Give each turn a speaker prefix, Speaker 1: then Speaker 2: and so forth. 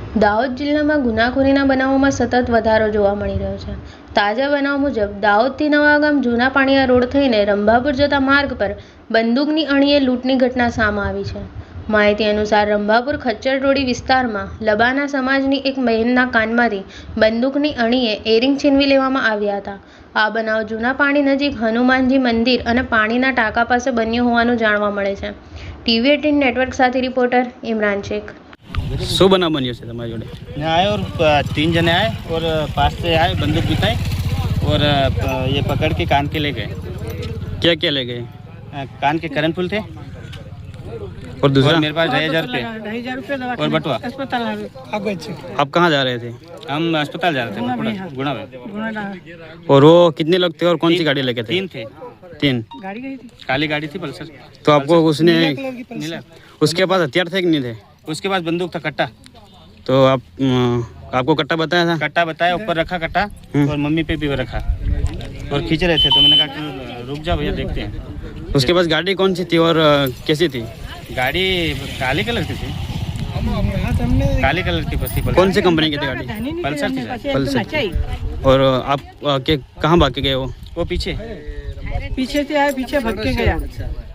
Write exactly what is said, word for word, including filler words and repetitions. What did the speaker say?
Speaker 1: દાહોદ જિલ્લામાં ગુનાખોરીના બનાવોમાં સતત વધારો જોવા મળી રહ્યો છે. તાજા બનાવ મુજબ દાહોદથી નવાગામ જૂના પાણીયા રોડ થઈને રંભાપુર જતા માર્ગ પર બંદૂકની અણીએ લૂંટની ઘટના સામે આવી છે. માહિતી અનુસાર રંભાપુર ખચ્ચર રોડી વિસ્તારમાં લબાના સમાજની એક બહેનના કાનમાંથી બંદૂકની અણીએ એરિંગ છીનવી લેવામાં આવ્યા હતા. આ બનાવ જૂના પાણી નજીક હનુમાનજી મંદિર અને પાણીના ટાંકા પાસે બન્યો હોવાનું જાણવા મળે છે. ટીવી અઠ્ઠાવીસ નેટવર્ક સાથે રિપોર્ટર ઇમરાન શેખ.
Speaker 2: शो बना बनियो से तुम्हारे जोड़े
Speaker 3: आए और तीन जने आए और पास से आए बंदूक बिताए और ये पकड़ के कान के ले गए.
Speaker 2: क्या क्या ले गए?
Speaker 3: कान के करन फूल थे
Speaker 2: और दूसरा
Speaker 3: और मेरे पास ढाई हजार रुपये और बटुआ.
Speaker 2: आप कहाँ जा रहे थे?
Speaker 3: हम अस्पताल जा रहे थे गुणा में.
Speaker 2: और वो कितने लोग थे और कौन सी गाड़ी लेके थे?
Speaker 3: तीन थे.
Speaker 2: तीन
Speaker 3: काली गाड़ी थी पल्सर.
Speaker 2: तो आपको उसने उसके पास हथियार थे कि नहीं थे?
Speaker 3: उसके पास बंदूक था कट्टा.
Speaker 2: तो आप आपको कट्टा बताया था?
Speaker 3: कट्टा बताया ऊपर रखा कट्टा और मम्मी पे भी रखा और खींच रहे थे तो मैंने कहा कि रुक जाओ भैया देखते हैं.
Speaker 2: उसके पास गाड़ी कौन सी थी और कैसी थी?
Speaker 3: गाड़ी काली कलर की थी. काली कलर की बस थी.
Speaker 2: कौन सी कंपनी की थी गाड़ी?
Speaker 3: पल्सर थी.
Speaker 2: पल्सर. और आप के कहाँ भाग के गए? वो
Speaker 3: वो पीछे
Speaker 4: पीछे से आए, पीछे भाग के गया.